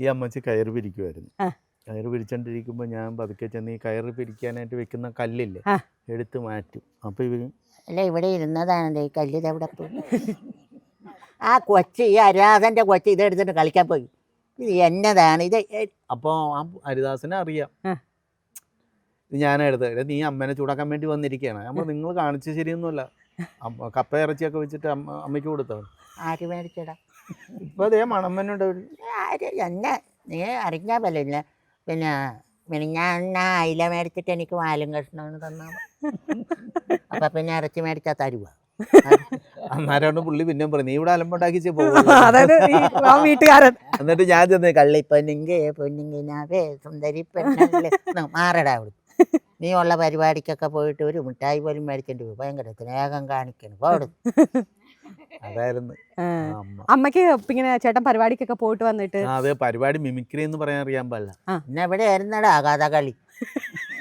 ഈ അമ്മച്ചി കയറ് പിരിക്കുമായിരുന്നു. കയറ് പിരിച്ചോണ്ടിരിക്കുമ്പോൾ ഞാൻ പതുക്കെ ചെന്ന് ഈ കയറ് പിരിക്കാനായിട്ട് വെക്കുന്ന കല്ലില്ലേ എടുത്ത് മാറ്റും. അപ്പോൾ ഇവർ അല്ല ഇവിടെ ഇരുന്നതാണല്ലോ ഈ കല്ല് ഇതെവിടെ പോയി. ആ കൊച്ച് ഈ ഹരിദാസൻ്റെ കൊച്ച് ഇതെടുത്തിട്ട് കളിക്കാൻ പോയി. ഇത് എന്നതാണ് ഇത്? അപ്പോൾ ആ ഹരിദാസനെ അറിയാം ഇത് ഞാനെടുത്ത്. നീ അമ്മേനെ ചൂടാക്കാൻ വേണ്ടി വന്നിരിക്കുകയാണ്. അപ്പോൾ നിങ്ങൾ കാണിച്ച ശരിയൊന്നുമല്ല. കപ്പ ഇറച്ചിയൊക്കെ വെച്ചിട്ട് അമ്മയ്ക്ക് കൊടുത്തവൻ. ആര് മേടിച്ചടാ? ഇപ്പോൾ അതേ മണമ്മനുണ്ട്. ആര് എന്നെ നീ അറിഞ്ഞാൽ പറ്റില്ല. പിന്നെ ഞാൻ അയില മേടിച്ചിട്ട് എനിക്ക് വാലും കഷ്ണമാണ് തന്നാൽ അപ്പം പിന്നെ ഇറച്ചി മേടിച്ചാൽ തരുക. അന്നേരമാണ് പുള്ളി പിന്നെ പറയും നീ ഇവിടെ അലമ്പുണ്ടാക്കി വീട്ടുകാരൻ. എന്നിട്ട് ഞാൻ ചെന്ന് കള്ളി പൊന്നിങ്ങിനാവേ സുന്ദരി പെണ്ണല്ലേ മാറടാ അവിടെ. നീ ഉള്ള പരിപാടിക്കൊക്കെ പോയിട്ട് ഒരു മിഠായി പോലും മേടിക്കേണ്ടി പോയി. ഭയങ്കര സ്നേഹം കാണിക്കണം പോടും. അതായിരുന്നു അമ്മക്ക്. ഇങ്ങനെ ചേട്ടൻ പരിപാടിക്കൊക്കെ പോയിട്ട് വന്നിട്ട് അതെ പരിപാടി മിമിക്രി എന്ന് പറയാൻ അറിയാൻ പാടില്ല. പിന്നെ എവിടെ ആയിരുന്നടാ കഥകളി?